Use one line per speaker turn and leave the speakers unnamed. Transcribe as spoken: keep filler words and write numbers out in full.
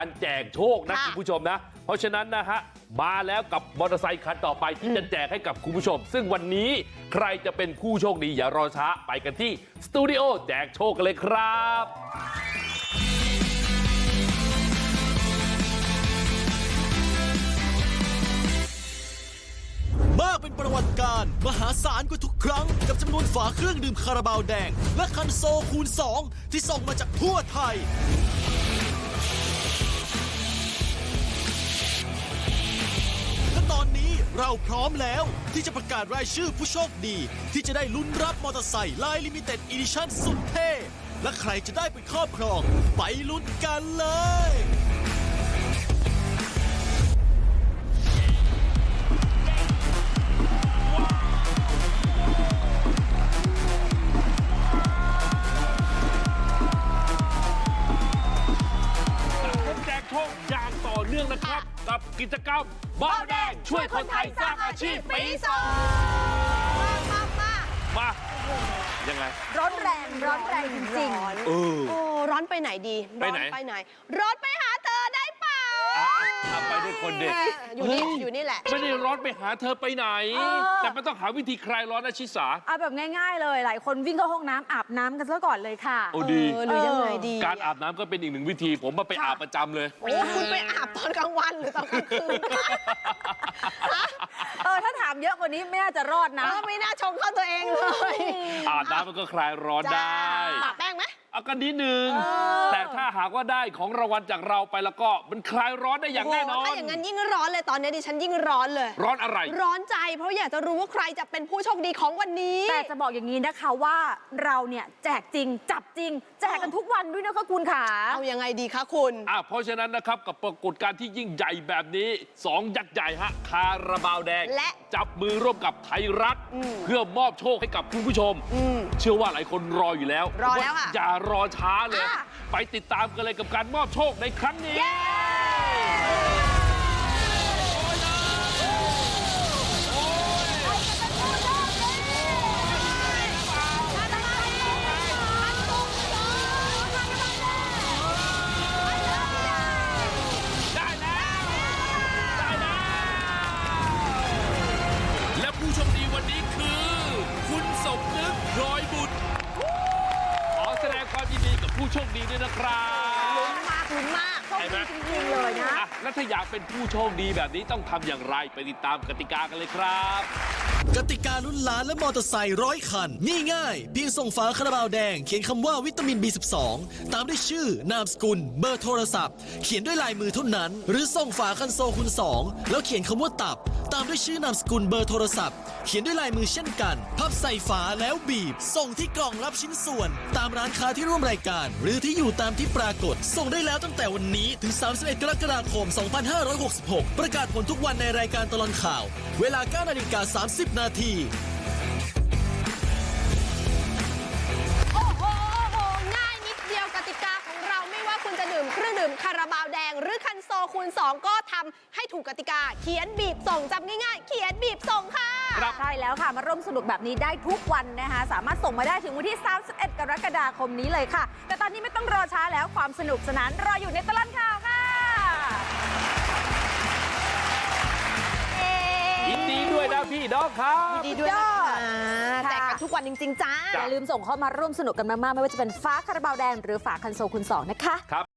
การแจกโชคนะคุณผู้ชมนะเพราะฉะนั้นนะฮะมาแล้วกับมอเตอร์ไซค์คันต่อไปที่จะแจกให้กับคุณผู้ชมซึ่งวันนี้ใครจะเป็นผู้โชคดีอย่ารอช้าไปกันที่สตูดิโอแจกโชคกันเลยครับ
มากเป็นประวัติการมหาศาลกว่าทุกครั้งกับจำนวนฝาเครื่องดื่มคาราบาวแดงและคันโซคูณสองที่ส่งมาจากทั่วไทยและตอนนี้เราพร้อมแล้วที่จะประกาศรายชื่อผู้โชคดีที่จะได้ลุ้นรับมอเตอร์ไซค์ลายลิมิเต็ดอีดิชั่นสุดเท่และใครจะได้ไปครอบครองไปลุ้นกันเลย
โชคอย่างต่อเนื่องนะครับกับกิจกรรมบ้าแดงช่วยคนไทยสร้างอาชีพปีสองมามายังไง
ร้อนแรงร้อนแรงจริงๆ
เออ
โอ้ร้อนไปไหนดีร้อนไปไหนร้อนไปหาเธอได้เปล่า
ทำไปด้วยคนเด็ก
อยู่นี่อยู่นี่แหละ
ไม่ได้ร้อนไปหาเธอไปไหนแต่มันต้องหาวิธีคลายร้อนนะชิสา
เอาแบบง่ายๆเลยหลายคนวิ่งเข้าห้องน้ำอาบน้ำกันซะก่อนเลยค่ะ
โอ้ดี
หรือยังไงดี
การอาบน้ำก็เป็นอีกหนึ่งวิธีผมมาไปอาบประจำเลย
โอ้คุณไปอาบตอนกลางวันหรือตอนกลางคืน
เออถ้าถามเยอะกว่านี้ไม่น่าจะรอดนะ
ไม่น่าชงเข้าตัวเองเลย
อาบน้ำมันก็คลายร้อนได้
ปะแป้งไหม
เอากันนิดนึงแต่ถ้าหากว่าได้ของรางวัลจากเราไปแล้วก็มันคลายร้อนได้อย่างแน่นอน
ถ้าอย่างนั้นยิ่งร้อนเลยตอนนี้ดิฉันยิ่งร้อนเลย
ร้อนอะไร
ร้อนใจเพราะอยากจะรู้ว่าใครจะเป็นผู้โชคดีของวันนี้
แต่จะบอกอย่างนี้นะคะว่าเราเนี่ยแจกจริงจับจริงแจกกันทุกวันด้วยนะคะคุณขา
เอายังไงดีคะคุณ
อ่ะเพราะฉะนั้นนะครับกับปรากฏการณ์ที่ยิ่งใหญ่แบบนี้สองยักษ์ใหญ่ฮะคาราบาวแดง
และ
จับมือร่วมกับไทยรัฐเพื่อมอบโชคให้กับคุณผู้ชมเชื่อว่าหลายคนรออยู่แล้ว
รอแล้วค่ะ
อย่ารอช้าเลยไปติดตามกันเลยกับการมอบโชคในครั้งนี้ได้แล้วได้แล้วและผู้โชคดีวันนี้คือคุณสมนึกพลอยบุตรขอแสดงความยินดีกับผู้โชคดีด้วยนะครับ
ลุ้นมากลุ้นมาก
โชคดีจริงๆเลยนะ
แล้วถ้าอยากเป็นผู้โชคดีแบบนี้ต้องทำอย่างไรไปติดตามกติกากันเลยครับ
กติกาลุ้นล้านและมอเตอร์ไซค์ร้อยคันนี่ง่ายเพียงส่งฝาคาราบาวแดงเขียนคำว่าวิตามิน บี สิบสอง ตามด้วยชื่อนามสกุลเบอร์โทรศัพท์เขียนด้วยลายมือเท่านั้นหรือส่งฝาคันโซคูณสองแล้วเขียนคำว่าตับตามด้วยชื่อนามสกุลเบอร์โทรศัพท์เขียนด้วยลายมือเช่นกันพับใส่ฝาแล้วบีบส่งที่กล่องรับชิ้นส่วนตามร้านค้าที่ร่วมรายการหรือที่อยู่ตามที่ปรากฏส่งได้แล้วตั้งแต่วันนี้ถึงสามสิบเอ็ดกรกฎาคมสองพันห้าร้อยหกสิบหกประกาศผลทุกวันในรายการตลอดข่าวเวลา เก้านาฬิกาสามสิบนาที
โอ้โหง่ายนิดเดียวกติกาของเราไม่ว่าคุณจะดื่มเครื่องดื่มคาราบาวแดงหรือคันโซคูณสองก็ทำให้ถูกกติกาเขียนบีบส่งจำง่ายๆเขียนบีบส่งค่ะ
ใช่แล้วค่ะมาร่วมสนุกแบบนี้ได้ทุกวันนะคะสามารถส่งมาได้ถึงวันที่สามสิบเอ็ดกรกฎาคมนี้เลยค่ะแต่ตอนนี้ไม่ต้องรอช้าแล้วความสนุกสนานรออยู่ในตลอดข่าวค่ะ
ยินดีด้วยนะพี่น้องครับ
ยินดีด้วยนะคะแจกกันทุกวันจริงๆจ้า
อย่าลืมส่งเข้ามาร่วมสนุกกันมากๆไม่ว่าจะเป็นฝาคาราบาวแดงหรือฝาคันโซคูณสองนะคะ